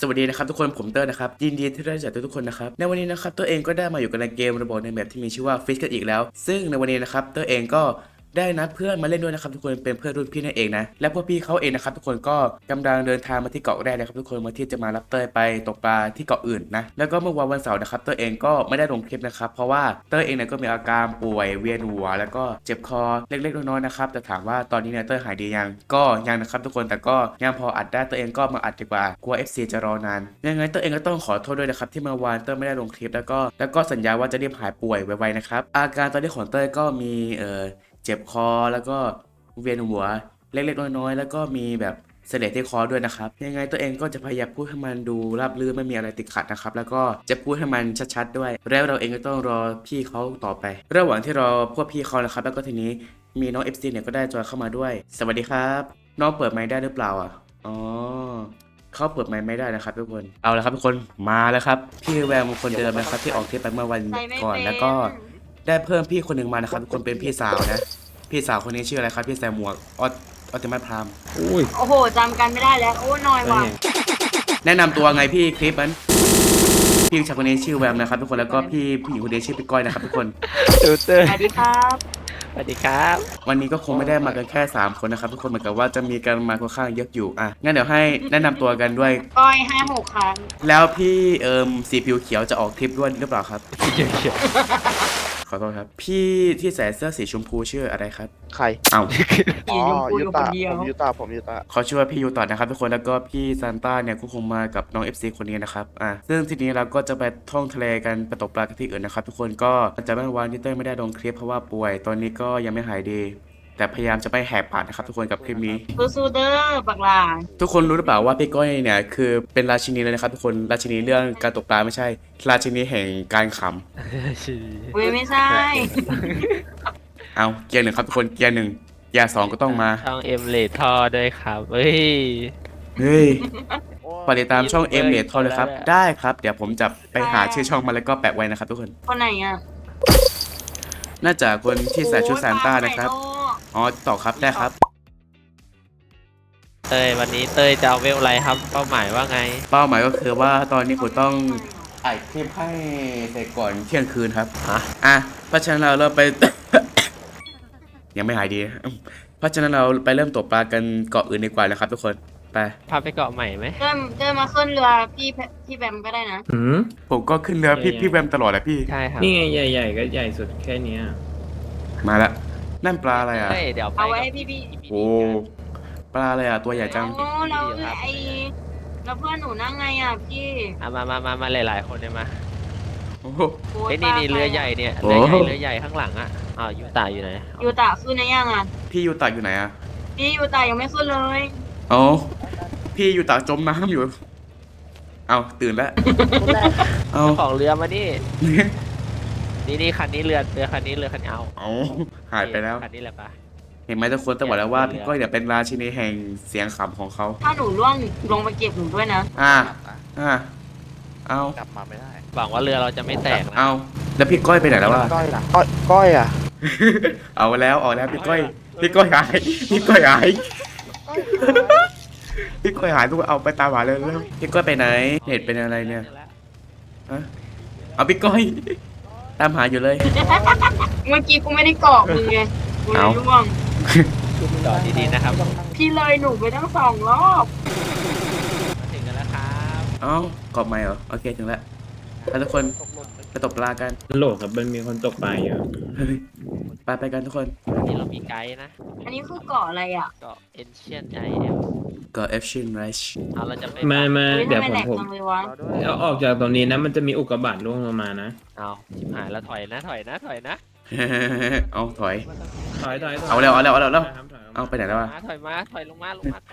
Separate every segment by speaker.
Speaker 1: วัสดีนะครับทุกคนผมเตอร์นะครับยินดีที่ได้รู้จักทุกคนนะครับในวันนี้นะครับเตอร์เองก็ได้มาอยู่กันในเกมระบบในแบบที่มีชื่อว่าฟิชกันอีกแล้วซึ่งในวันนี้นะครับเตอร์เองก็ได้นัดเพื่อนมาเล่นด้วยนะครับทุกคนเป็นเพื่อนรุ่นพี่นั่นเองนะและพวกพี่เขาเองนะครับทุกคนก็กำลังเดินทางมาที่เกาะแรกนะครับทุกคนมาที่จะมารับเตอร์ไปตกปลาที่เกาะอื่นนะแล้วก็เมื่อวันเสาร์นะครับเตอร์เองก็ไม่ได้ลงคลิปนะครับเพราะว่าเตอร์เองเนี่ยก็มีอาการป่วยเวียนหัวแล้วก็เจ็บคอเล็กๆน้อยๆนะครับแต่ถามว่าตอนนี้เนี่ยเตอร์หายดียังก็ยังนะครับทุกคนแต่ก็ยังพออัดได้เตอร์เองก็มาอัดดีกว่ากลัว FC จะรอนานยังไงเตอร์เองก็ต้องขอโทษด้วยนะครับที่เมื่อวานเตอร์ไม่ได้ลงคลิปแล้วก็สัญญาว่าจะรีบหายป่วยไวๆนะครับอาการตอนนี้ของเตอร์ก็มีเจ็บคอแล้วก็เวียนหัวเล็กๆน้อยๆแล้วก็มีแบบเสลดที่คอด้วยนะครับยังไงตัวเองก็จะพยายามพูดให้มันดูราบรื่นไม่มีอะไรติดขัดนะครับแล้วก็จะพูดให้มันชัดๆด้วยแล้วเราเองก็ต้องรอพี่เขาต่อไประหว่างที่รอพวกพี่เขานะครับแล้วก็ทีนี้มีน้อง FC เนี่ยก็ได้จอยเข้ามาด้วยสวัสดีครับน้องเปิดไมค์ได้หรือเปล่าอ่ะอ๋อเขาเปิดไมค์ไม่ได้นะครับทุกคนเอาละครับทุกคนมาแล้วครับพี่แวมคนเดิมนะครับที่ออกเทปไปเมื่อวันก่อนแล้วก็ได้เพิ่มพี่คนหนึ่งมานะครับทุกคนเป็นพี่สาวนะพี่สาวคนนี้ชื่ออะไรครับพี่แซมหมวกออติมัสพราม
Speaker 2: อุ้ย
Speaker 3: โอ้โหจำกันไม่ได้แล้วโอ้น้อยว่ะ
Speaker 1: แนะนำตัวไงพี่คลิปนั้นพี่ชายคนนี้ชื่อแวมนะครับทุกคนแล้วก็พี่ผู้หญิงคนนี้ชื่อพี่ก้อยนะครับทุกคน
Speaker 2: ตูเตอร์
Speaker 3: สวัสดีครับ
Speaker 2: สวัสดีครับ
Speaker 1: วันนี้ก็คงไม่ได้มากันแค่3คนนะครับทุกคนเหมือนกับว่าจะมีกันมาค่อนข้างเยอะอยู่อ่ะงั้นเดี๋ยวให้แนะนำตัวกันด้วย
Speaker 3: ก้อย5-6 ครั้ง
Speaker 1: แล้วพี่สีผิวเขียวจะออกทริปด้วยหรือเปล่าครับ
Speaker 2: เขียว
Speaker 1: ขอโทษครับพี่ที่ใส่เสื้อสีชมพูชื่ออะไรครับ
Speaker 4: ใคร
Speaker 1: เอ้า
Speaker 4: อ๋อ
Speaker 3: อยู่
Speaker 4: ยู
Speaker 3: คน
Speaker 4: ตา
Speaker 3: เดียว
Speaker 4: ผมยูตาผมยูตา
Speaker 1: เขาชื่อว่าพี่ยูต่อนะครับทุกคนแล้วก็พี่ซานต้าเนี่ยก็คงมากับน้อง FC คนนี้นะครับซึ่งทีนี้เราก็จะไปท่องทะเลกันไปตกปลากันที่อื่นนะครับทุกคนก็จะไม่วันที่เต้ยไม่ได้ลงคลิปเพราะว่าป่วยตอนนี้ก็ยังไม่หายดี แต่พยายามจะไม่แหกปากนะครับทุกคนกับคลิปนี้
Speaker 3: สู้ๆเด้อบักหลา
Speaker 1: ทุกคนรู้หรือเปล่าว่าพี่ก้อยเนี่ยคือเป็นราชินีเลยนะครับทุกคนราชินีเรื่องการตกปลาไม่ใช่ ราชินีแห่งการข
Speaker 2: ๆชี
Speaker 3: เว้ยไม่ใช่
Speaker 1: ำเอาเกียร์หนึ่งครับทุกคนเกียร์หนึ่งเกียร์สองก็ต้องมา
Speaker 2: ช่องเอ็มเลททอด้วยครับเฮ้ย
Speaker 1: เฮ้ย
Speaker 4: โอ้
Speaker 1: ฝากติดตามช่องเอ็มเดททอเลยครับได้ครับเดี๋ยวผมจะไปหาชื่อช่องมาแล้วก็แปะไว้นะครับทุกคน
Speaker 3: คนไหนอ่ะ
Speaker 1: น่าจะคนที่ใส่ชุดซานต้านะครับอ๋อต่อครับได้ครับ
Speaker 2: เต้ยวันนี้เต้ยจะเอาเวลอะไรครับเป้าหมายว่าไง
Speaker 1: เป้าหมายก็คือว่าตอนนี้ผมต้องอัดคลิปให้เสร็จก่อนเที่ยงคืนครับ
Speaker 2: ฮะ
Speaker 1: เพราะฉะนั้นเราไป ยังไม่หายดีเพราะฉะนั้นเราไปเริ่มตกปลากันเกาะอื่นดีกว่านะครับทุกคนไป
Speaker 2: พาไปเกาะใหม่ไหม
Speaker 3: เดินมาขึ้นเรือพี่แบมก็ได้นะ
Speaker 5: หืม
Speaker 1: ผมก็ขึ้นเรือพี่แวมตลอดแหละพี่
Speaker 2: ใช่ครับ
Speaker 5: นี่ไงใหญ่ๆก็ใหญ่สุดแค่เนี้ย
Speaker 1: มาละนั่นปลาอะไรอ่ะ
Speaker 2: เฮ้ยเดี๋ยวไป
Speaker 3: เอาไว้ให้พี่
Speaker 1: โอ้ปลาอะไรอ่ะตัวใหญ่จัง
Speaker 3: โอ้แล้วแล้วเพื่อนหนูนั่งไงอ่ะพี่
Speaker 2: มาหลายๆคนเลยมา
Speaker 1: โอ้โห
Speaker 3: โอ้
Speaker 2: เฮ้ยนี่เรือใหญ่เนี่ย
Speaker 1: โอ้
Speaker 2: เรือใหญ่ข้างหลังอ่ะอ้าวยูตาอยู่ไหน
Speaker 3: ยูตะขึ้นนะยังอ่ะ
Speaker 1: พี่ยูตะอยู่ไหนอ่ะ
Speaker 3: พี่ยูตะยังไม่ขึ้นเลย
Speaker 1: อ๋อพี่ยูตะจมน้ำอยู่เอาตื่นแล้วเอา
Speaker 2: ของเรือมานี่นี่คันนี้เรือคันนี้เอา
Speaker 1: เอาหายไปแล้ว
Speaker 2: คันนี้แหละปะ
Speaker 1: เห็นไหมทุกคนต้องบอกแล้วว่าพี่ก้อยเนี่ยเป็นราชินีแห่งเสียงขำของเขา
Speaker 3: ถ้าหนูร่วงลงไปเก็บหนูด้วยนะ
Speaker 1: เอา
Speaker 4: กลับมาไม่ได้
Speaker 2: หวังว่าเรือเราจะไม่แตกนะ
Speaker 1: เอาแล้วพี่ก้อยไปไหนแล้ววะ
Speaker 4: ก้อยล่ะก้อยอ่ะ
Speaker 1: เอาแล้วพี่ก้อยหายพี่ก้อยหายพี่ก้อยหายทุกคนเอาไปตามหาเลยแล้วพี่ก้อยไปไหนเน็ตเป็นอะไรเนี่ยฮะเอาพี่ก้อยตามหาอยู่เลย
Speaker 3: เมื่อกี้กูไม่ได้เกาะมึงไงกูเลยร่วง
Speaker 2: จอดดีๆนะครับมา
Speaker 3: พี่เลยหนูไปทั้ง2 รอบ
Speaker 2: ถึงกันแล้วครับ
Speaker 1: เอ้ากรอบใหม่เหรอโอเคถึงแล้วแล้วทุกคนไปตกปลากัน
Speaker 5: โหลดครับมันมีคนตกปลาเยอะ
Speaker 1: เฮ้ยไปกันทุกคน
Speaker 2: วันนี้เรามีไกด์นะ
Speaker 3: อันนี้คือเกาะอะไรอ่ะ
Speaker 2: เกาะ Ancient IL
Speaker 1: ก็เอฟชินไรช
Speaker 2: เอาเราจะไป
Speaker 5: มา
Speaker 3: เฮ้ย
Speaker 5: เดี๋ยว
Speaker 3: ทำไม
Speaker 5: ผม
Speaker 3: แหลกจังเลยวะ
Speaker 4: รอด้วย
Speaker 5: เอาออกจากตรงนี้นะมันจะมีอุกกาบาตร่วงลงมานะ
Speaker 2: เอาชิบหายแล้วถอยนะ
Speaker 1: เอาถอย
Speaker 5: ถอย
Speaker 1: เอาแล้ว
Speaker 5: ครับถอย
Speaker 1: เอาไปไหนแล้ววะ
Speaker 2: ถอยลงมาลงมา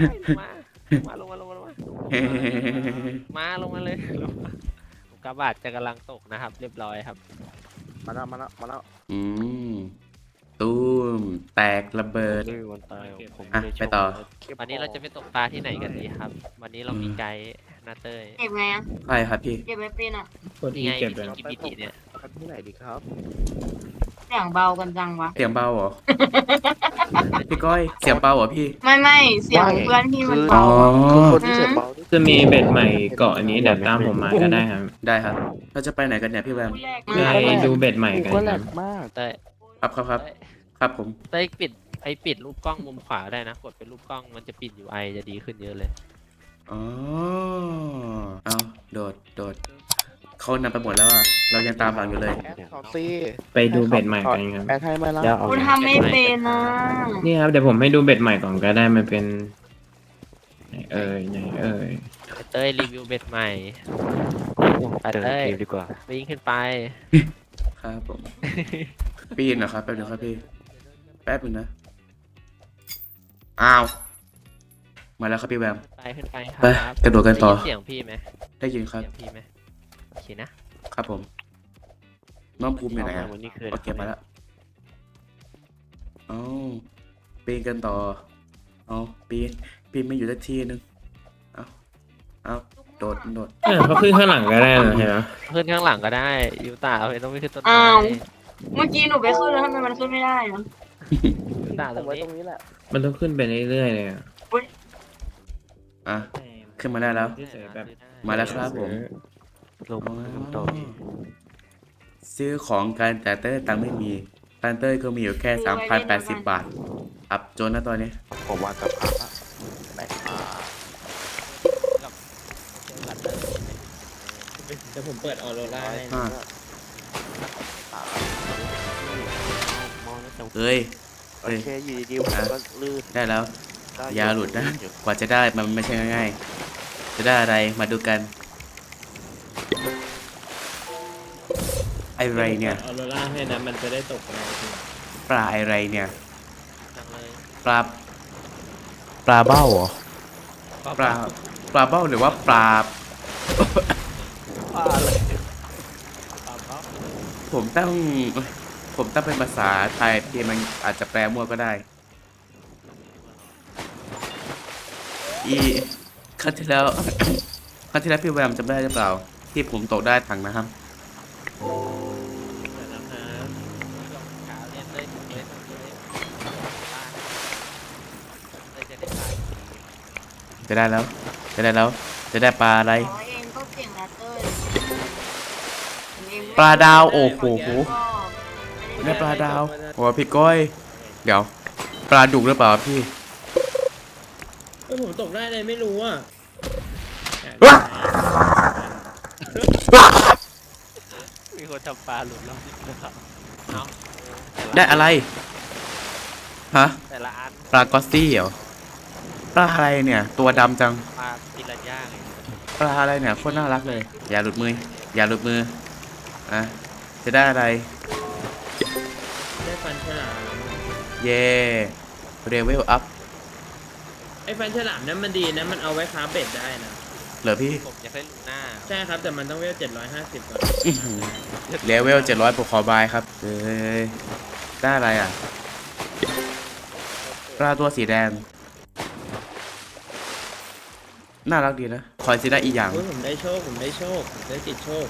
Speaker 2: เลยอุกกาบาตจะกำลังตกนะครับ เรียบร้อยครับ
Speaker 4: มาแล้ว
Speaker 1: อืมตูมแตกระเบิด
Speaker 2: วันตายผม
Speaker 1: อ่ะ
Speaker 2: เลยชม
Speaker 1: ไปต่อ
Speaker 2: วันนี้เราจะไปตกปลาที่ไหนกันดีครับ วันนี้เรามีไกด์นาเต้ย
Speaker 3: เก็บไงอ่ะ
Speaker 1: ใช่ครับพี่
Speaker 3: เก็บไม่เป็นอ่ะ
Speaker 5: กดอี
Speaker 2: นี่ไง
Speaker 5: เก็บ
Speaker 2: วิ
Speaker 5: เลย
Speaker 2: ธีกิบิติเนี่ย
Speaker 4: ครับที่ไหนดีครับ
Speaker 3: เสียงเบากันจังวะ
Speaker 1: เสียงเบาเหรอพี่ก้อยเสียงเบาเหรอพี่
Speaker 3: ไม่เสียงเพื่อนพี่มัน
Speaker 1: อ๋อ
Speaker 3: เบา
Speaker 4: คือคนที่เสียเบาที่
Speaker 5: จะมีเบ็ดใหม่เกาะอันนี้เดี๋ยวตามผมมาก็ได้ครับ
Speaker 1: ได้ครับ เราจะไปไหนกันเนี่ยพี่แวม
Speaker 5: ไปดูเบ็ดใหม่กัน
Speaker 4: ก็
Speaker 5: ค
Speaker 4: แหล
Speaker 5: รับ
Speaker 4: กมาก
Speaker 2: เต้ย
Speaker 1: ครับครับผม
Speaker 2: เต้ยปิดรูปกล้องมุมขวาได้นะ กดเป็นรูปกล้องมันจะปิด UI จะดีขึ้นเยอะเลย
Speaker 1: อ๋อเอาโดดเขานำไปหมดแล้วอ่ะเรายังตามหลังอยู่เลย
Speaker 4: แอดเขาซี
Speaker 5: ไปดูเบ็ดใหม่กันครับ
Speaker 4: แอดให้มาแล้ว
Speaker 3: กูทำไม่เป็นนะ
Speaker 5: นี่ครับเดี๋ยวผมให้ดูเบ็ดใหม่ก่อนก็ได้มันเป็นไหนเอ่ย
Speaker 2: เต้ยรีวิวเบ็ดใหม่ไปเต้ยดีกว่าวิ่งขึ้นไป
Speaker 1: ครับผม ปีนนะครับแป๊บนึงครับพี่แป๊บนึงนะอ้าวมาแล้วครับพี่แวม
Speaker 2: ขึ้นไปค
Speaker 1: ไป
Speaker 2: รับ
Speaker 1: กระโดดกันต่อ
Speaker 2: ได้ยิเสียงพี่ไหม
Speaker 1: ได้ยินครับ
Speaker 2: เสียงพี่ไหมโอเคนะครับ
Speaker 1: ผมน้องภูมิอยู่ไหนอะ
Speaker 2: วันนี้คือ
Speaker 1: โอเคมาแล้วเอาปีนกันต่อเอาปีนไม่อยู่สักทีนึงเอาโดด
Speaker 5: เขาขึ้นข้างหลังก็ได้นะเห็นไหม
Speaker 2: ขึ้นข้างหลังก็ได้ยูตาเอาไปต้องไปขึ้นต้นไม้
Speaker 3: อ้าวเมื่อกี้หนูไปขึ้นแล้วทำไมมันขึ้นไม่ได้อะ
Speaker 2: ยูตาต
Speaker 4: ผ
Speaker 2: ร
Speaker 4: ม
Speaker 2: ง
Speaker 4: ไว้
Speaker 2: นี้
Speaker 4: ตรงนี้แหละ
Speaker 5: มันต้องขึ้นไปเรื่อยๆเลยอะ
Speaker 1: อ่ะขึ้นมาได้แล้ว
Speaker 5: แบบ
Speaker 1: มาแล้วครับผม
Speaker 2: ลง
Speaker 1: อ๋อ
Speaker 2: ต่อ
Speaker 1: ซื้อของกันแต่เต้ยตังค์ไม่มีตังค์เต้ยก็มีอยู่แค่ 3,080 บาทอับจนนะตอนนี้
Speaker 4: ผมว่าจะพักละแบกมา
Speaker 5: เดี๋ยวผมเปิดออโรราให้
Speaker 1: อ่ะ
Speaker 2: มองแล้วจะ
Speaker 1: เอ้ย
Speaker 4: โอเคอยู่ดีๆผมก็ลื่น
Speaker 1: ได้แล้ว
Speaker 4: ได้
Speaker 1: อย่าหลุดนะ กว่าจะได้มันไม่ใช่ง่ายๆจะได้อะไรมาดูกันอะไรเนี่ย
Speaker 5: ออโรราให้นะมันจะได้ตกอะไรที
Speaker 1: ปลาอะไรเนี่ย
Speaker 2: จังเลย
Speaker 1: ปลาเบ้าเหรอปลาเบ้าหรือว่าปลา ผมตั้งเป็นภาษาไทยที่มันอาจจะแปลมั่วก็ได้ ครั้งที่แล้ว ครั้งที่แล้วพี่แวมจำได้หรือเปล่า ที่ผมตกได้ถังนะครับ
Speaker 2: ขาเรียนเลยเลยจะได้
Speaker 1: จะได้แล้ว จะได้ปลาอะไร
Speaker 3: ขอเองก็เก่งนะเต้ยเอง
Speaker 1: ปลาดาวโอ้โห
Speaker 3: ก็
Speaker 1: ได้ปลาดาวโอ้พี่ก้อย เดี๋ยว ปลาดุกหรือเปล่าพี่
Speaker 5: ผมตกได้เลยไม่รู้อ่ะ
Speaker 2: มีคนทำปลาหลุดรอบนี้นะครับเอา
Speaker 1: ได้อะไร ฮะ
Speaker 2: แต่ละอัน
Speaker 1: ปลากอสซี่เหรอ ปลาอะไรเนี่ย ตัวดำจัง
Speaker 2: ปลาปิรันย่าไง
Speaker 1: ปลาอะไรเนี่ยโคตรน่ารักเลย อย่าหลุดมือ อ่ะ จะได้อะไร
Speaker 5: ได้ฟันฉลาม
Speaker 1: เย่เรเวลอัพ
Speaker 5: ไอ้ฟันฉลามนั้นมันดีนะมันเอาไว้ค้าเบ็ดได้นะ
Speaker 1: เหรอพี่
Speaker 2: ผมอยากได้ลูน่า
Speaker 5: ใช่ครับแต่มันต้องเวล750ก่อน
Speaker 1: เลเวล700ผมขอบายครับเอ้ยได้อะไรอ่ะ ปลาตัวสีแดง น่ารักดีนะ คอยสิได้อีกอย่าง
Speaker 5: โอ้ยผมได้โชคผมได้ติดโชค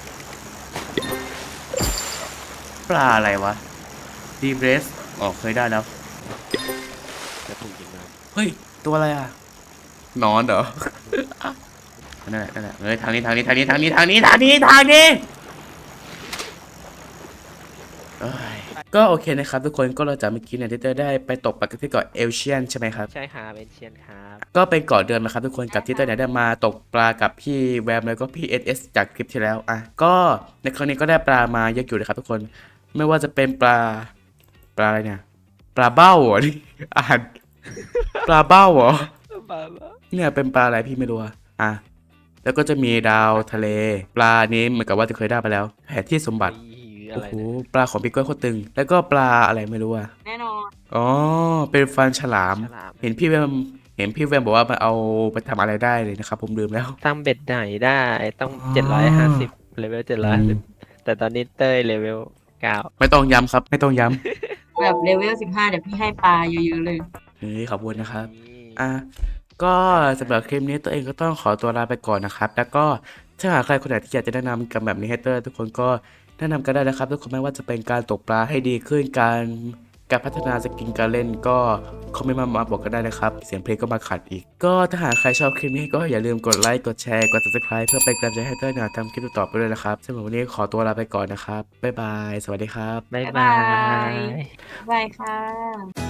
Speaker 1: ปลาอะไรวะดีเบรสอ๋อเคยได้แล้ว
Speaker 2: จะถูกยิงมา
Speaker 1: เฮ้ย ตัวอะไรอ่ะหนอนเหรอ นั่นแหละเฮ้ยทางนี้เอ้ยก็โอเคนะครับทุกคนก็เราจากเมื่อกี้เนี่ยที่เตอร์ได้ไปตกปลาที่เกาะเอลเชียนใช่ไหมครับ
Speaker 2: ใช่ครับเป็นเชียนครับ
Speaker 1: ก็เป็นเกาะเดิมนะครับทุกคนกับที่เตอร์เนี่ยได้มาตกปลากับพี่แวมแล้วก็พี่เอสจากคลิปที่แล้วอ่ะก็ในครั้งนี้ก็ได้ปลามาเยอะอยู่นะครับทุกคนไม่ว่าจะเป็นปลาอะไรเนี่ยปลาเบ้าเหรอนี่อ่านปลาเบ้าเหรอ เนี่ยเป็นปลาอะไรพี่ไม่รู้อ่ะแล้วก็จะมีดาวทะเล ปลานี้เหมือนกับว่าจะเคยได้ไปแล้วแผนที่สมบัติ
Speaker 2: อะ
Speaker 1: โอ้
Speaker 2: ไร
Speaker 1: โห
Speaker 2: เนี่ย
Speaker 1: ปลาของพี่ก้อยโคตรตึง แล้วก็ปลาอะไรไม่รู้อ่ะ
Speaker 3: แน่นอน
Speaker 1: อ๋อเป็นฟันฉลาม
Speaker 2: ฉลาม
Speaker 1: เห็นพี่แวมบอกว่ามันเอาไปทำอะไรได้เลยนะครับผมลืมแล้ว
Speaker 2: ตั้งเบ็ดไหนได้ต้อง
Speaker 1: อ๋อ
Speaker 2: 750เลเวล750แต่ตอนนี้เต้ยเลเวล9
Speaker 1: ไม่ต้องย้ำครับ ไม่ต้องย้
Speaker 3: แบบเลเวล15เดี๋ยวพี่ให้ปลาเยอะๆเลย
Speaker 1: ำเฮ้ยขอบคุณนะครับ อ่ะก็สำหรับคลิปนี้ตัวเองก็ต้องขอตัวลาไปก่อนนะครับ แล้วก็ถ้าหากใครคนไหนที่อยากจะแนะนำกันแบบนี้ให้เตอร์ทุกคนก็แนะนำกันได้นะครับ ทุกคนไม่ว่าจะเป็นการตกปลาให้ดีขึ้นการการพัฒนาสกินการเล่นก็คอมเมนต์มาบอกกันได้นะครับเสียงเพลงก็มาขัดอีกก็ถ้าหากใครชอบคลิปนี้ก็อย่าลืมกดไลค์กดแชร์กด subscribe เพื่อเป็นกำลังใจให้เต้ยหน่อยทำคลิปต่อไปด้วยนะครับสำหรับวันนี้ขอตัวลาไปก่อนนะครับบ๊ายบายสวัสดีครับ
Speaker 2: บ๊าย
Speaker 3: บ๊าย
Speaker 2: บา
Speaker 3: บาย
Speaker 2: ย
Speaker 3: บายค่ะ